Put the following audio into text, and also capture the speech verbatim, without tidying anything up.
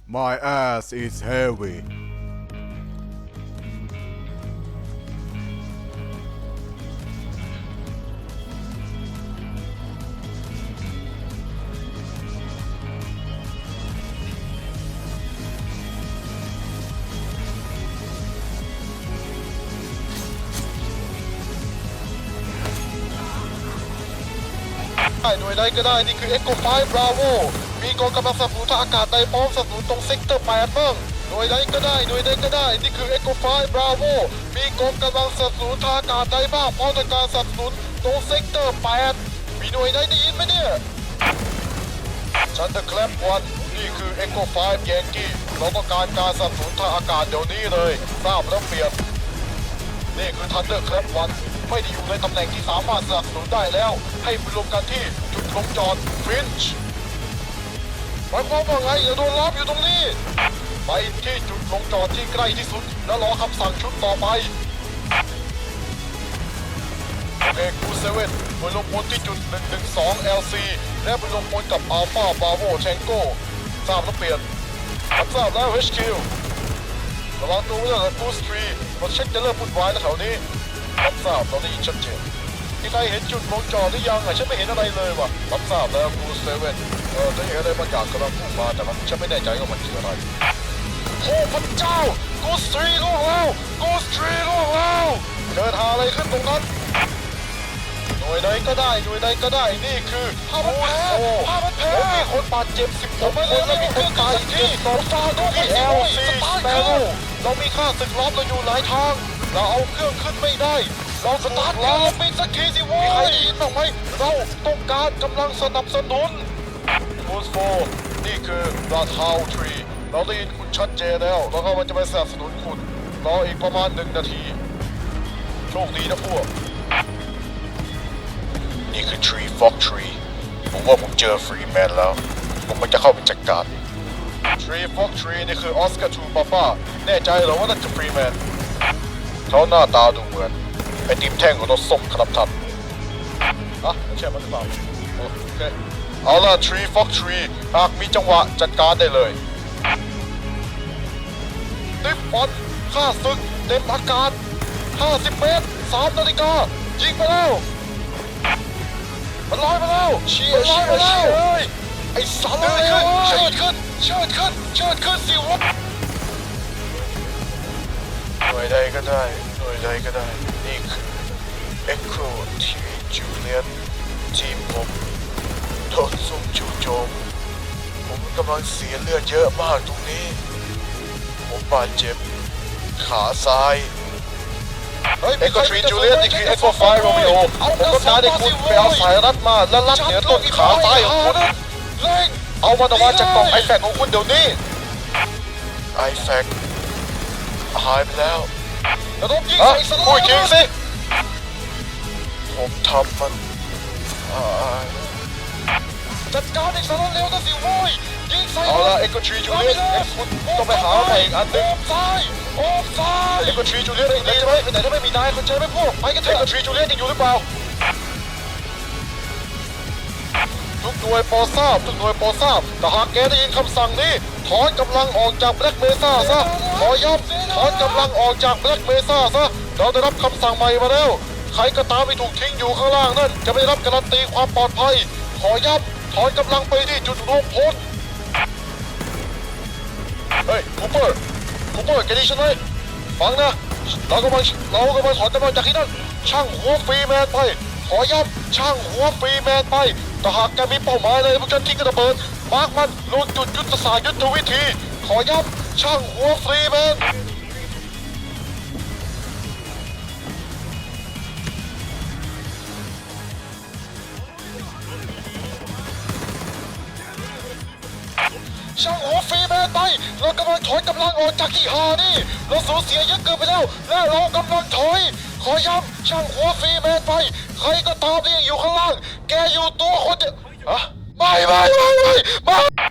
My ass is heavy. หน่วยใดก็ได้นี่คือ Echo ไฟว์ Bravo มีกองกำลังสนับสนุนทางอากาศใดพร้อมสนับสนุนตรงเซกเตอร์แปดบ้างหน่วยใดก็ได้หน่วยใดก็ได้นี่คือ Echo ไฟว์ Bravo มีกองกำลังสนับสนุนทางอากาศใดบ้างพร้อมในการสนับสนุนตรงเซกเตอร์แปดมีหน่วยใดได้ยินไหมเนี่ยฉันเดอะแคลปวันนี่คือ Echo ไฟว์ Yankee เราต้องการการสนับสนุนทางอากาศเดี๋ยวนี้เลยทราบแล้วเปลี่ยนนี่คือ Thunder Clap วันไม่ได้อยู่ในตำแหน่งที่สามารถสนับสนุนได้แล้วให้ไปรวมกันที่จุดลงจอดฟินช์หมายความว่าไงอย่าโดนล้อมอยู่ตรงนี้ไปที่จุดลงจอดที่ใกล้ที่สุดแล้วรอคำสั่งชุดต่อไปโอเคคูเซเว่นไปลงพลที่จุดหนึ่งหนึ่งสอง แอล ซี และไปลงพลกับอัลฟาบาโวแทงโก้ทราบแล้วเปลี่ยนรับทราบแล้ว เอช คิว ระวังตัวไว้ด้วยนะกูสตรีมาเช็คจะเริ่มวุ่นวายแล้วแถวนี้รับทราบเราได้ยินชัดเจนมีใครเห็นจุดลงจอดหรือยังอ่ะฉันไม่เห็นอะไรเลยว่ะรับทราบแล้วกูสเซเว่นเออจะเห็นอะไรบางอย่างกำลังพุ่งมาแต่มันฉันไม่แน่ใจว่ามันคืออะไรโอ้พระเจ้ากูสตรีล่วงแล้วกูสตรีล่วงแล้วเกิดหาอะไรขึ้นตรงนั้นหน่วยใดก็ได้หน่วยใดก็ได้นี่คือผ้าพันแผลผ้าพันแผลมีคนบาดเจ็บสิบหกคนและมีคนตายที่สองฟาโดที่ แอล ซี สเปโร่เรามีค่าศึกล้อมเราอยู่หลายทางเราเอาเครื่องขึ้นไม่ได้เราสตาร์ทล้อมไปสักทีสิวะมีใครได้ยินบ้างไหมเราต้องการกำลังสนับสนุนบูสโฟนี่คือราทาวทรีเราได้ยินคุณชัดเจนแล้วแล้วก็มันจะไปสนับสนุนคุณรออีกประมาณหนึ่งนาทีโชคดีนะพวกนี่คือ Tree Fox Tree ผมว่าผมเจอฟรีแมนแล้วผมมันจะเข้าไปจัดการ Tree Fox Tree นี่คือออสการ์ทูปาป้าแน่ใจเหรอว่านั่นจะฟรีแมนเขาหน้าตาดูเหมือนไอติมแท่งของรถส้มครับท่านอ่ะไม่ใช่มันหรือเปล่าโอเคเอาล่ะ Tree Fox Tree หากมีจังหวะจัดการได้เลยติฟฟอนข้าศึกเต็มอากาศห้าสิบเมตรสามนาฬิกายิงไปแล้วมันลอยมาแล้วเชียร์เชียร์เชียร์ไอ้สัตว์เลยเชิดขึ้นเชิดขึ้นเชิดขึ้นสิวะหน่วยใดก็ได้หน่วยใดก็ได้นี่คือ Echo ทีจูเลียนทีมผมโดนซุ่มจู่โจมผมกำลังเสียเลือดเยอะมากตรงนี้ผมบาดเจ็บขาซ้ายเอ็กโคทรีจูเลียนนี่คือ Echo ไฟว์ Romeo ผมต้องการให้คุณไปเอาสายรัดมาและรัดเหนือต้นขาซ้ายของคุณเอามันออกมาจากกล่องไอแฟกของคุณเดี๋ยวนี้ไอแฟกหายไปแล้วแล้วต้องยิงใส่สลับพูดจริงสิผมทำมันจัดการไอ้สลับเร็วนะสิโว้ยยิงใส่เอาละ Echo ทรีจูเลียนคุณต้องไปหาใหม่อีกอันหนึ่งซ้ายโอ้ซ้าย Echo ทรีจูเลียนยังดีไหมไปไหนถ้าไม่มีนายคุณเจอไหมพวกไปกันเถอะ Echo ทรีจูเลียนยังอยู่หรือเปล่าทุกหน่วยโปรทราบทุกหน่วยโปรทราบแต่หากแกได้ยินคำสั่งนี้ถอนกำลังออกจากแบล็กเมซ่าซะขอย้ำถอนกำลังออกจากแบล็กเมซ่าซะเราได้รับคำสั่งใหม่มาแล้วใครก็ตามที่ถูกทิ้งอยู่ข้างล่างนั่นจะไม่ได้รับการันตีความปลอดภัยขอย้ำถอนกำลังไปที่จุดรวมพลเฮ้ยคูเปอร์คูเปอร์แกได้ยินไหมฟังนะเรากำลังเรากำลังถอนกำลังจากที่นั่นช่างหัวฟรีแมนไปขอย้ำช่างหัวฟรีแมนไปแต่หากแกมีเป้าหมายอะไรพวกฉันทิ้งกระเบิดมาร์กมันลงจุดยุทธศาสตร์ยุทธวิธีขอย้ำช่างหัวฟรีแมนช่างหัวฟรีแมนไปเรากำลังถอยกำลังออกจากที่หานี่เราสูญเสียเยอะเกินไปแล้วและเรากำลังถอยขอย้ำช่างหัวฟรีแมนไปใครก็ตามที่ยังอยู่ข้างล่างแกอยู่ตัวคนเดียวอะไม่ไม่ไม่ไม่ไม่